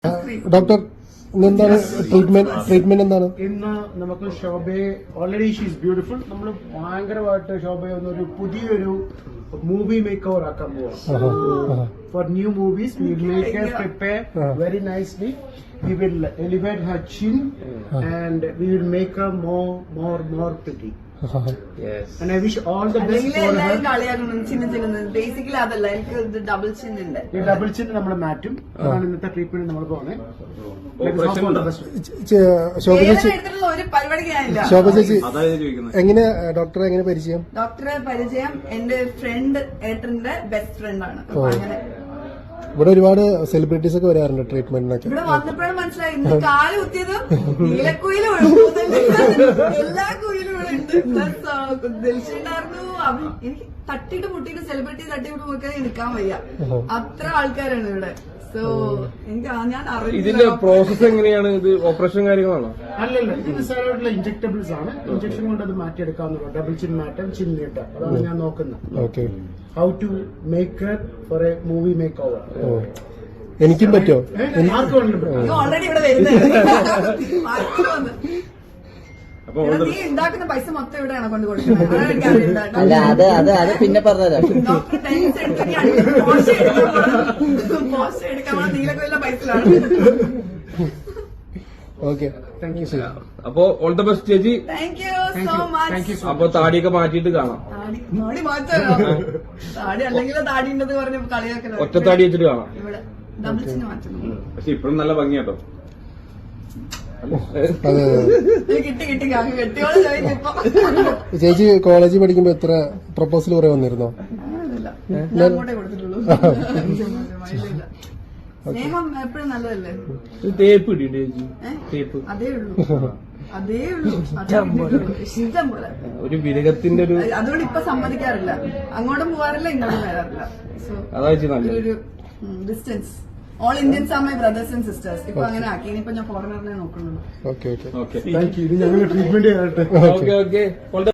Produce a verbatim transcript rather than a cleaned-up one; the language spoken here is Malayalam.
ഡോക്ടർ എന്താണ് ട്രീറ്റ്മെന്റ് ട്രീറ്റ്മെന്റ് എന്താണ് ഇന്ന് നമുക്ക് ശോഭയെ ഓൾറെഡി ഷീസ് ബ്യൂട്ടിഫുൾ. നമ്മൾ ഭയങ്കരമായിട്ട് ശോഭയെ ഒന്നൊരു പുതിയൊരു മൂവി മേക്ക് ഓവർ ആക്കാൻ പോവാം. Four new movies we will make her prepare very nicely. We will elevate her chin and we will make her more more more pretty. Yes. And I wish all the best for her. Basically അതല്ല, എനിക്ക് ഡബിൾ ചിൻ ഉണ്ട്. ഈ ഡബിൾ ചിൻ നമ്മൾ മാറ്റും. അതാണ് ഇന്നത്തെ ട്രീറ്റ്മെന്റ് നമ്മൾ പോകുന്നത്. ശോഭ ചേച്ചി ഒരു പരിപാടിക്കാനില്ല. ശോഭ ചേച്ചി എങ്ങനെ ഡോക്ടറെ എങ്ങനെ പരിചയം? ഡോക്ടറെ പരിചയം എന്റെ ഫ്രണ്ട് ഏട്ടന്റെ ബെസ്റ്റ് ഫ്രണ്ട് ആണ്. അപ്പൊ അങ്ങനെ ഇവിടെ ഒരുപാട് സെലിബ്രിറ്റീസ് ഒക്കെ വരാറുണ്ട് ട്രീറ്റ്മെന്റിനൊക്കെ. ഇവിടെ വന്നപ്പോഴും മനസ്സിലായി ഇന്ന് കാല് കുത്തിയതും നീലക്കുയിലും എല്ലാ കുയിലും ഇവിടെ ഉണ്ട്. പ്ലസ് ദിൽഷുണ്ടായിരുന്നു. എനിക്ക് തട്ടിയിട്ട് മുട്ടിയിട്ട് സെലിബ്രിറ്റി തട്ടിയിട്ട് മുട്ടിയാൽ നിൽക്കാൻ വയ്യ, അത്ര ആൾക്കാരാണ് ഇവിടെ. സോ എനിക്ക് ഞാൻ ഇതിന്റെ പ്രോസസ് എങ്ങനെയാണ്? ഇത് ഓപ്പറേഷൻ കാര്യങ്ങളാണോ? അല്ലല്ല, ഇത് നിസ്സാരമായിട്ടുള്ള ഇഞ്ചക്ടബിൾസ് ആണ്. ഇഞ്ചക്ഷൻ കൊണ്ട് അത് മാറ്റിയെടുക്കാവുന്നതാണ്. ഡബിൾ ചിൻ മാറ്റം, ചിൻ നീട്ടം, അതാണ് ഞാൻ നോക്കുന്നത്. Okay. How to make for a movie make over. എനിക്കും പറ്റുമോ? ആർക്ക് വേണമെങ്കിലും ഓൾറെഡി ഇവിടെ വരുന്നത്. നീ ഉണ്ടാക്കുന്ന പൈസ മൊത്തം ഇവിടെയാണ് കൊണ്ട് കൊടുക്കുന്നത്. അല്ല, അത് അത് അത് പിന്നെ പറഞ്ഞതാ. ഡോക്ടർ ടൈംസ് എടുക്കാൻ പോസ്റ്റ് എടുക്കാൻ നീലക്കൊല്ല പൈസയിലാണ്. Okay, thank you. അപ്പോ ഓൾ ദ ബെസ്റ്റ് ചേച്ചി. Thank you so much. അപ്പൊ താടിയൊക്കെ മാറ്റിയിട്ട് കാണാം. താടി മാറ്റാലോ? താടി അല്ലെങ്കിൽ താടി ഉണ്ടെന്ന് പറഞ്ഞ് കളിയാക്കലോ. ഒറ്റ താടി വെച്ചിട്ട് കാണാം. ഇവിടെ ഡബിൾ ചിന് മാറ്റുന്നു. പക്ഷെ ഇപ്പഴും നല്ല ഭംഗിയാട്ടോ. കിട്ടി കിട്ടി കെട്ടിയോളെ ചോദിച്ചപ്പോ. ചേച്ചി കോളേജിൽ പഠിക്കുമ്പോ എത്ര പ്രപ്പോസൽ കുറെ വന്നിരുന്നോ? ഞാൻ അങ്ങോട്ടേ കൊടുത്തിട്ടുള്ളൂ. സ്നേഹം എപ്പോഴും നല്ലതല്ലേ? തേപ്പ് കിട്ടിയിട്ട് ചേച്ചി? തേപ്പ് അതേ ഉള്ളൂ, അതേ ഉള്ളൂ. ഇഷ്ടം പോലെ ഒരു വിരകത്തിന്റെ ഒരു. അതുകൊണ്ട് ഇപ്പൊ സമ്മതിക്കാറില്ല, അങ്ങോട്ടും പോകാറില്ല ഇങ്ങോട്ടും വരാറില്ല. സോ അതാ ഒരു distance. All Indians are my brothers and sisters. ഇപ്പൊ അങ്ങനെ ആക്കി. ഇനിയിപ്പോ ഞാൻ ഫോറിനറിനെ നോക്കുന്നുള്ളൂ. Okay okay okay, thank you. ഇത് ഞങ്ങൾ ട്രീറ്റ്മെന്റ് ചെയ്യട്ടെ. Okay okay.